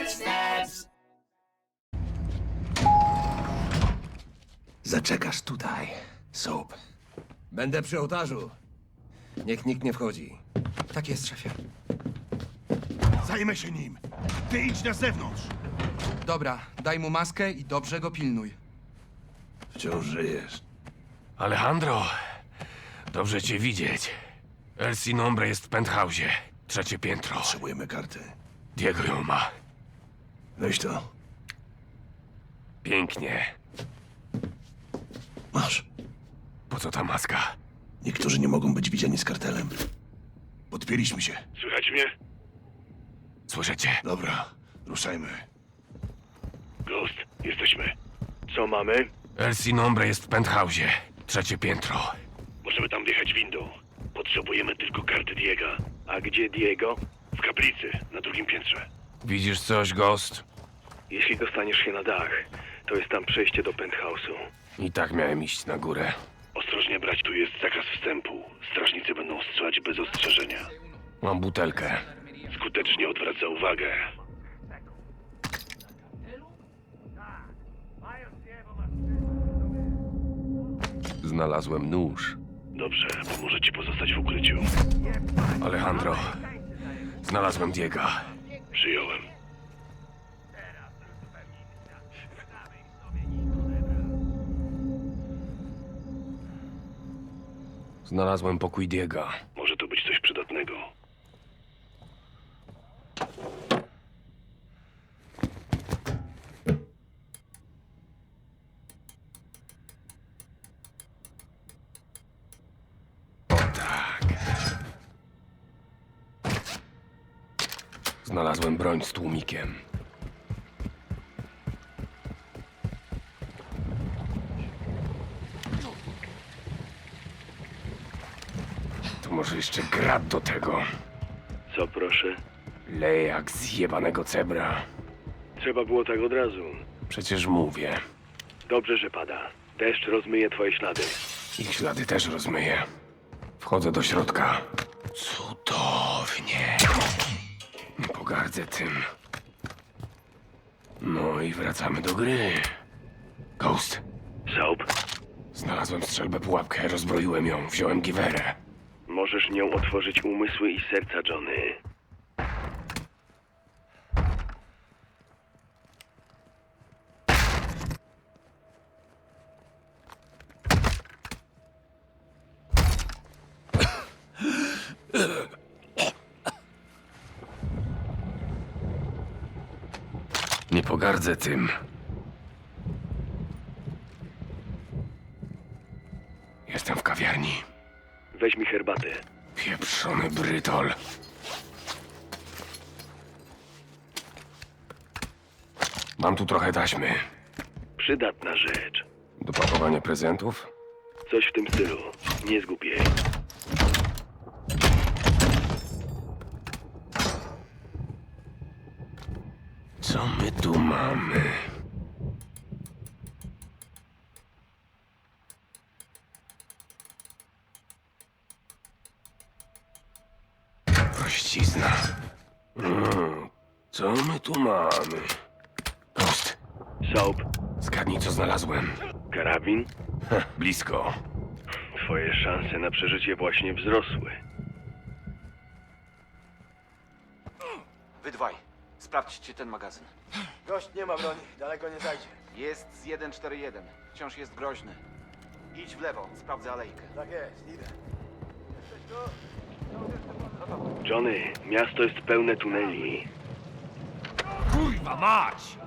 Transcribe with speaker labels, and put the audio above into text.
Speaker 1: footsteps.
Speaker 2: Zaczekasz tutaj, Soap.
Speaker 3: Będę przy ołtarzu. Niech nikt nie wchodzi.
Speaker 4: Tak jest, szefie.
Speaker 5: Zajmę się nim. Ty idź na zewnątrz.
Speaker 4: Dobra, daj mu maskę i dobrze go pilnuj.
Speaker 2: Wciąż żyjesz.
Speaker 6: Alejandro, dobrze cię widzieć. El Sinombre jest w penthouse'ie. 3. piętro.
Speaker 2: Potrzebujemy karty.
Speaker 6: Diego ją ma.
Speaker 2: Weź to.
Speaker 6: Pięknie.
Speaker 2: Masz.
Speaker 6: Po co ta maska?
Speaker 2: Niektórzy nie mogą być widziani z kartelem. Podpięliśmy się.
Speaker 6: Słychać mnie? Słyszycie?
Speaker 2: Dobra, ruszajmy.
Speaker 6: Ghost, jesteśmy. Co mamy? El Sinombre jest w penthouse'ie. 3. piętro. Możemy tam wjechać windą. Potrzebujemy tylko karty Diega. A gdzie Diego? W kaplicy, na 2. piętrze. Widzisz coś, Ghost?
Speaker 7: Jeśli dostaniesz się na dach, to jest tam przejście do penthouse'u.
Speaker 6: I tak miałem iść na górę.
Speaker 7: Ostrożnie brać, tu jest zakaz wstępu. Strażnicy będą strzelać bez ostrzeżenia.
Speaker 6: Mam butelkę.
Speaker 7: Skutecznie odwraca uwagę.
Speaker 6: Znalazłem nóż.
Speaker 7: Dobrze, pomoże ci pozostać w ukryciu.
Speaker 6: Alejandro, znalazłem Diega.
Speaker 7: Przyjąłem.
Speaker 6: Znalazłem pokój Diega.
Speaker 7: Może to być coś przydatnego.
Speaker 6: Znalazłem broń z tłumikiem. To może jeszcze grat do tego.
Speaker 7: Co proszę?
Speaker 6: Leje jak zjebanego cebra.
Speaker 7: Trzeba było tak od razu.
Speaker 6: Przecież mówię.
Speaker 7: Dobrze, że pada. Deszcz rozmyje twoje ślady.
Speaker 6: Ich ślady też rozmyję. Wchodzę do środka. Cudownie. Nie pogardzę tym. No i wracamy do gry. Ghost,
Speaker 7: Soap,
Speaker 6: znalazłem strzelbę pułapkę, rozbroiłem ją, wziąłem giwerę.
Speaker 7: możesz nią otworzyć umysły i serca Johnny.
Speaker 6: Nie pogardzę tym. Jestem w kawiarni.
Speaker 7: Weź mi herbatę.
Speaker 6: Pieprzony brytol. Mam tu trochę taśmy.
Speaker 7: Przydatna rzecz.
Speaker 6: Do pakowania prezentów?
Speaker 7: Coś w tym stylu. Nie zgub jej.
Speaker 6: Co my tu mamy? Prościzna. Co my tu mamy? Prost.
Speaker 7: Soap,
Speaker 6: Zgadnij, co znalazłem.
Speaker 7: karabin?
Speaker 6: Blisko.
Speaker 7: Twoje szanse na przeżycie właśnie wzrosły.
Speaker 8: Wy dwaj, sprawdźcie ten magazyn.
Speaker 9: Gość nie ma broni, daleko nie zajdzie.
Speaker 8: Jest z 141. Wciąż jest groźny. Idź w lewo, sprawdzę alejkę.
Speaker 9: Tak jest, idę.
Speaker 7: Johnny, miasto jest pełne tuneli.
Speaker 6: Kurwa mać!